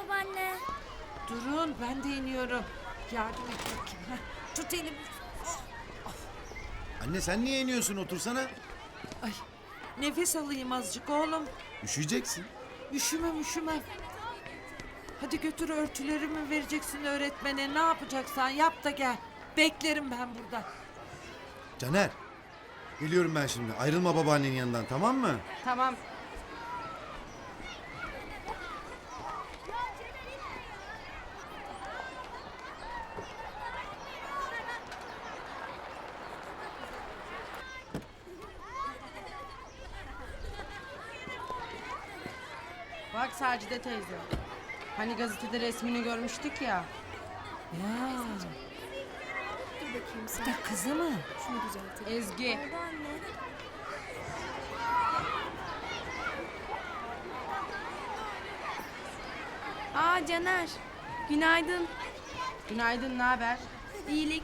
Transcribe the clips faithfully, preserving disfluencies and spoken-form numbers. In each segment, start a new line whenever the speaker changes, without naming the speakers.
babaanne.
Durun ben de iniyorum. Yardım et bakayım. Heh, tut elimi.
Anne sen niye iniyorsun, otursana.
Ay, nefes alayım azıcık oğlum.
Üşüyeceksin.
Üşümem üşümem. Hadi götür örtülerimi vereceksin öğretmene. Ne yapacaksan yap da gel. Beklerim ben burada.
Caner. Geliyorum ben şimdi. Ayrılma babaannenin yanından, tamam mı?
Tamam. Bak Sacide teyze. Hani gazetede resmini görmüştük ya.
Ya,
Dur bakayım sen.
da kızı mı?
Şunu düzeltelim.
Ezgi.
Babaanne. Aa Caner. Günaydın.
Günaydın, ne haber?
İyilik.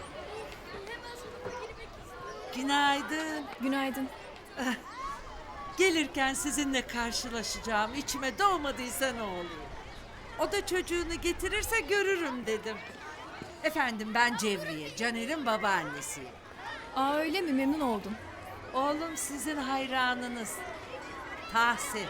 Günaydın.
Günaydın.
Gelirken sizinle karşılaşacağım. İçime doğmadıysa ne oluyor? O da çocuğunu getirirse görürüm dedim. Efendim ben Cevriye, Caner'in babaannesiyim.
Aa öyle mi? Memnun oldum.
Oğlum sizin hayranınız. Tahsin.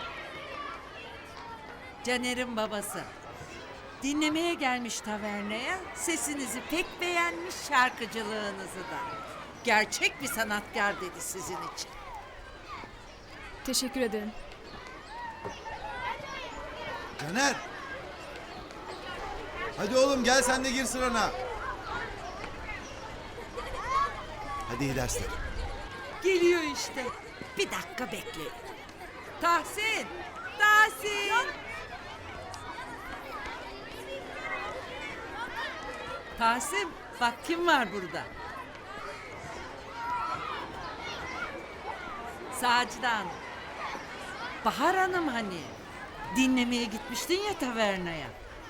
Caner'in babası. Dinlemeye gelmiş taverneye. Sesinizi pek beğenmiş, şarkıcılığınızı da. Gerçek bir sanatkar dedi sizin için.
Teşekkür ederim.
Caner. Hadi oğlum gel sen de gir sırana. Hadi iyi dersler.
Geliyor işte. Bir dakika bekleyin. Tahsin! Tahsin! Tahsin, bak kim var burada? Sacide Hanım. Bahar Hanım hani. Dinlemeye gitmiştin ya tavernaya.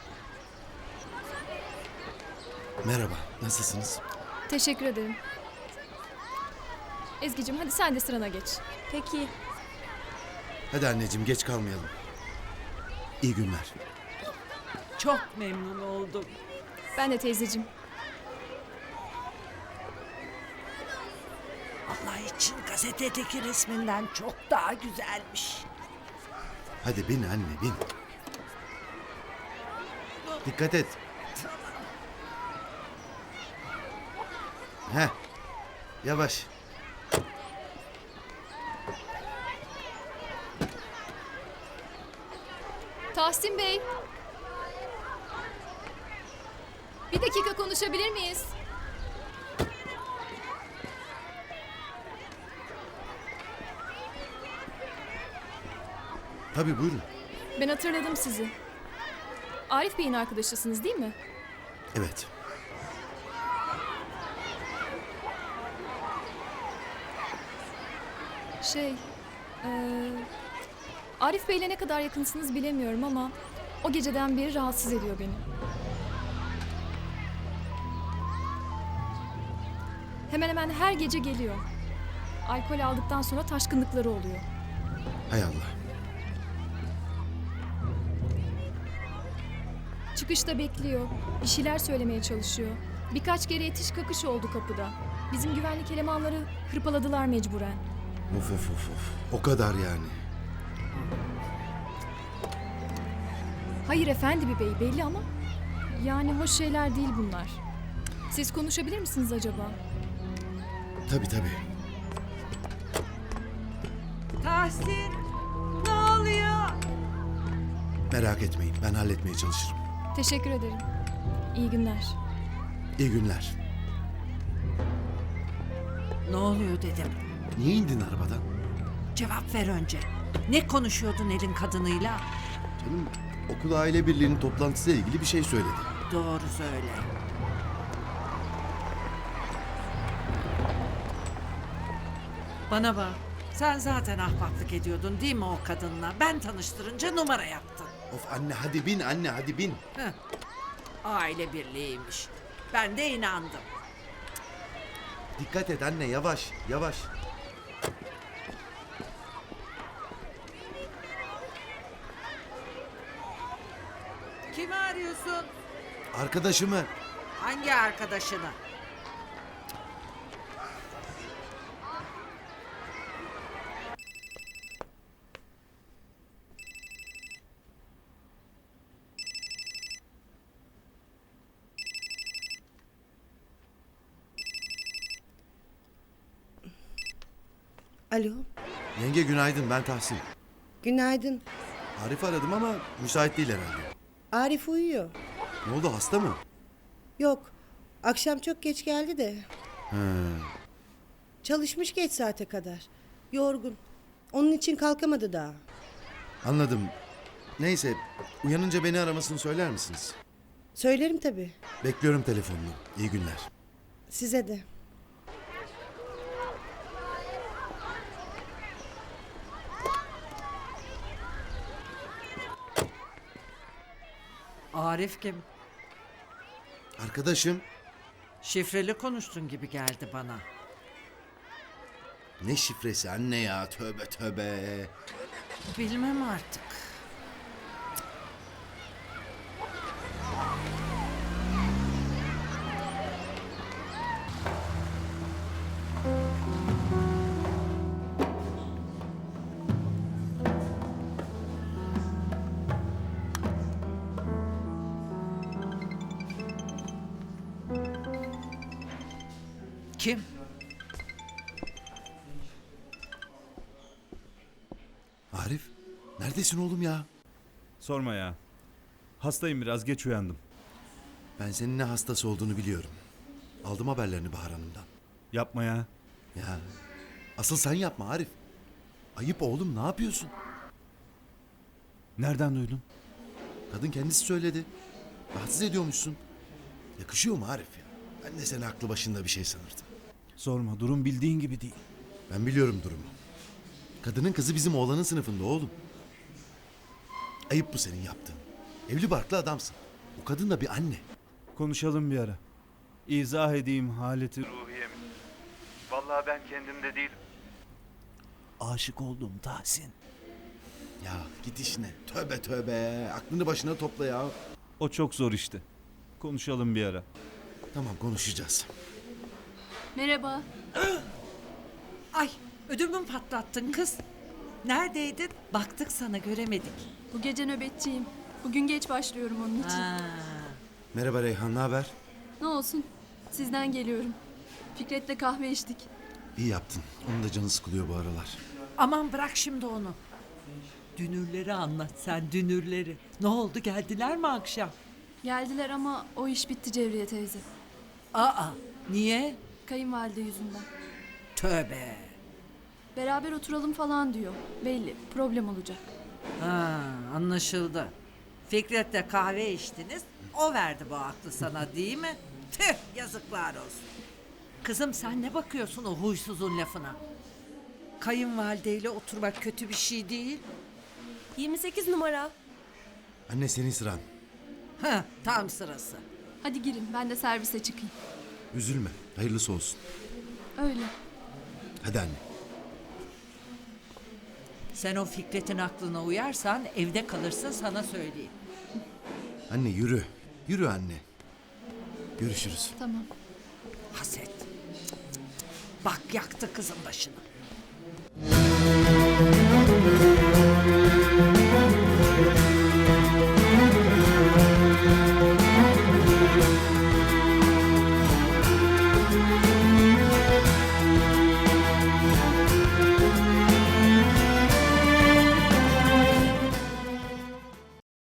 Merhaba, nasılsınız?
Teşekkür ederim. Ezgi'cim hadi sen de sırana geç. Peki.
Hadi anneciğim geç kalmayalım. İyi günler.
Çok memnun oldum.
Ben de teyzeciğim.
Allah için gazetedeki resminden çok daha güzelmiş.
Hadi bin anne bin. Dikkat et. Heh. Yavaş.
Tahsin Bey. Bir dakika konuşabilir miyiz?
Tabii buyurun.
Ben hatırladım sizi. Arif Bey'in arkadaşısınız değil mi?
Evet.
Şey, eee, Arif Bey'le ne kadar yakınsınız bilemiyorum ama o geceden beri rahatsız ediyor beni. Hemen hemen her gece geliyor. Alkol aldıktan sonra taşkınlıkları oluyor.
Hay Allah.
Çıkışta bekliyor, bir şeyler söylemeye çalışıyor. Birkaç kere itiş kakış oldu kapıda. Bizim güvenlik elemanları hırpaladılar mecburen.
Of of of of. O kadar yani.
Hayır efendi bir bey belli ama yani hoş şeyler değil bunlar. Siz konuşabilir misiniz acaba?
Tabii tabii.
Tahsin! Ne oluyor?
Merak etmeyin ben halletmeye çalışırım.
Teşekkür ederim. İyi günler.
İyi günler.
Ne oluyor dedim.
Niye indin arabadan?
Cevap ver önce. Ne konuşuyordun elin kadınıyla?
Canım okul aile birliğinin toplantısıyla ilgili bir şey söyledi.
Doğru söyle. Bana bak. Sen zaten ahbaplık ediyordun değil mi o kadınla? Ben tanıştırınca numara yaptın.
Of anne hadi bin anne hadi bin.
Heh. Aile birliğiymiş. Ben de inandım.
Dikkat et anne yavaş yavaş.
Kimi arıyorsun?
Arkadaşımı.
Hangi arkadaşını?
Alo,
Yenge günaydın, ben Tahsin.
günaydın.
Arif aradım ama müsait değil herhalde.
Arif uyuyor.
Ne oldu, hasta mı?
Yok, akşam çok geç geldi de.
He.
Çalışmış geç saate kadar. Yorgun. Onun için kalkamadı daha.
Anladım. Neyse, uyanınca beni aramasını söyler misiniz?
Söylerim tabii.
Bekliyorum telefonunu. İyi günler.
Size de.
Arif kim?
Arkadaşım.
Şifreli konuştun gibi geldi bana.
Ne şifresi anne ya, tövbe tövbe.
Bilmem artık. Kim?
Arif, neredesin oğlum ya?
Sorma ya. Hastayım, biraz geç uyandım.
Ben senin ne hastası olduğunu biliyorum. Aldım haberlerini Bahar Hanım'dan.
Yapma ya.
Ya, asıl sen yapma Arif. Ayıp oğlum, ne yapıyorsun?
Nereden duydun?
Kadın kendisi söyledi. Rahatsız ediyormuşsun. Yakışıyor mu Arif ya? Ben de seni aklı başında bir şey sanırdım.
Sorma, durum bildiğin gibi değil.
Ben biliyorum durumu. Kadının kızı bizim oğlanın sınıfında oğlum. Ayıp bu senin yaptığın. Evli barklı adamsın. O kadın da bir anne.
Konuşalım bir ara. İzah edeyim haleti ruhiyemi. Vallahi ben kendimde değilim. Aşık oldum Tahsin.
Ya git işine. Tövbe tövbe. Aklını başına topla ya.
O çok zor işte. Konuşalım bir ara.
Tamam, konuşacağız.
Merhaba.
Ay, ödümü patlattın kız. Neredeydin? Baktık sana, göremedik.
Bu gece nöbetçiyim. Bugün geç başlıyorum onun için.
Ha.
Merhaba Reyhan, ne haber?
Ne olsun? Sizden geliyorum. Fikret'le kahve içtik.
İyi yaptın. Onun da canı sıkılıyor bu aralar.
Aman bırak şimdi onu. Dünürleri anlat sen, dünürleri. Ne oldu, geldiler mi akşam?
Geldiler ama o iş bitti Cevriye teyze.
Aa, niye?
Kayınvalide yüzünden.
Tövbe.
Beraber oturalım falan diyor. Belli problem olacak.
Ha, anlaşıldı. Fikret'le kahve içtiniz. O verdi bu aklı sana, değil mi? Tüh, yazıklar olsun. Kızım sen ne bakıyorsun o huysuzun lafına? Kayınvalideyle oturmak kötü bir şey değil.
yirmi sekiz numara.
Anne, senin sıran.
Ha, tam sırası.
Hadi girin ben de servise çıkayım.
Üzülme. Hayırlısı olsun.
Öyle.
Hadi anne.
Sen o Fikret'in aklına uyarsan evde kalırsın, sana söyleyeyim.
Anne yürü. Yürü anne. Görüşürüz.
Tamam.
Haset. Cık, cık, cık. Bak yaktı kızın başını.